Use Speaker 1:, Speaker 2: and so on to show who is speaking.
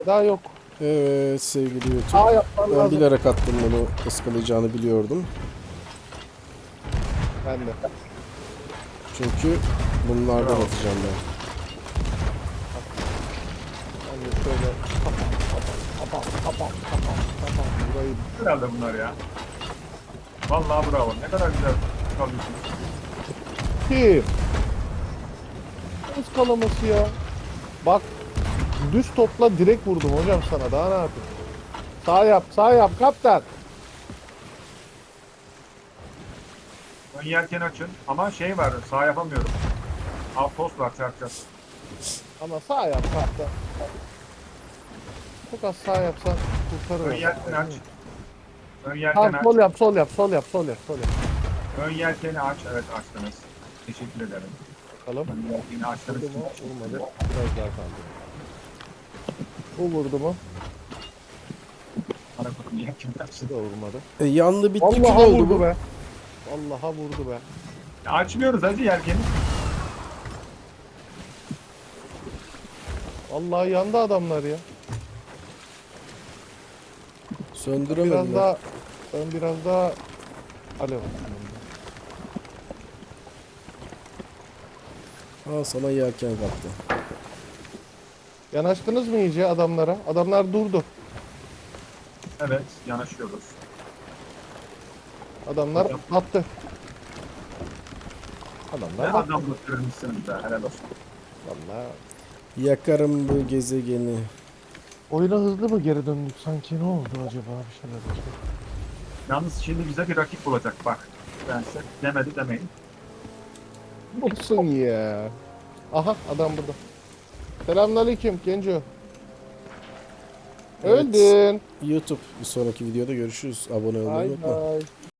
Speaker 1: Daha yok.
Speaker 2: Evet sevgili YouTube.
Speaker 1: Daha yapman
Speaker 2: Ben
Speaker 1: lazım.
Speaker 2: bilerek attım, bunu ıskalayacağını biliyordum.
Speaker 1: Ben de.
Speaker 2: Çünkü bunlardan
Speaker 3: Bravo.
Speaker 2: atacağım ben.
Speaker 1: Ben de şöyle kapam. Burayı
Speaker 3: Herhalde bunlar ya. Vallahi bravo. Ne kadar güzel kalıyorsun.
Speaker 1: kim? Nasıl kalaması ya? Bak düz topla direkt vurdum hocam sana. Daha ne yapayım? Sağ yap kaptan.
Speaker 3: Ön yelken açın. Ama şey var. Sağ yapamıyorum. Outpost var çarpacağız.
Speaker 1: Ama sağ yap kaptan. Çok az sağ yapsan kurtarır.
Speaker 3: Ön
Speaker 1: onu.
Speaker 3: yelken aç. Ön yelken
Speaker 1: Tamam
Speaker 3: aç.
Speaker 1: sol yap.
Speaker 3: Ön yelkeni aç. Evet açtınız. Teşekkür ederim.
Speaker 1: Bakalım.
Speaker 3: Ön yelkeni açtınız.
Speaker 1: Vurdu mu? Vurmadı. Biraz daha kaldı. Bu vurdu mu?
Speaker 3: Bana bakın yelkeni açtın.
Speaker 1: Bu da vurmadı.
Speaker 2: Yandı bitti, kül
Speaker 1: Vallahi
Speaker 2: oldu
Speaker 1: vurdu
Speaker 2: bu.
Speaker 1: be. Vallahi vurdu be.
Speaker 3: Açmıyoruz hacı yelkeni.
Speaker 1: Vallahi yandı adamlar ya.
Speaker 2: Söndüremediler.
Speaker 1: Ben biraz daha alev atayım.
Speaker 2: Al sana yelken kaptı.
Speaker 1: Yanaştınız mı iyice adamlara? Adamlar durdu.
Speaker 3: Evet yanaşıyoruz.
Speaker 1: Adamlar attı.
Speaker 3: Ne
Speaker 1: Adamlar battı.
Speaker 3: adam götürmüşsünüz be helal olsun.
Speaker 1: Vallahi.
Speaker 2: Yakarım bu gezegeni.
Speaker 1: Oyuna hızlı mı geri döndük sanki? Ne oldu acaba? Bir şeyler oldu.
Speaker 3: Yalnız şimdi bize bir rakip bulacak bak. Ben size demedi demeyin.
Speaker 1: Olsun ya. Aha adam burada. Selamünaleyküm Genco.
Speaker 2: Evet.
Speaker 1: Öldün.
Speaker 2: YouTube, bir sonraki videoda görüşürüz. Abone olmayı
Speaker 1: Bay
Speaker 2: unutma.
Speaker 1: bay.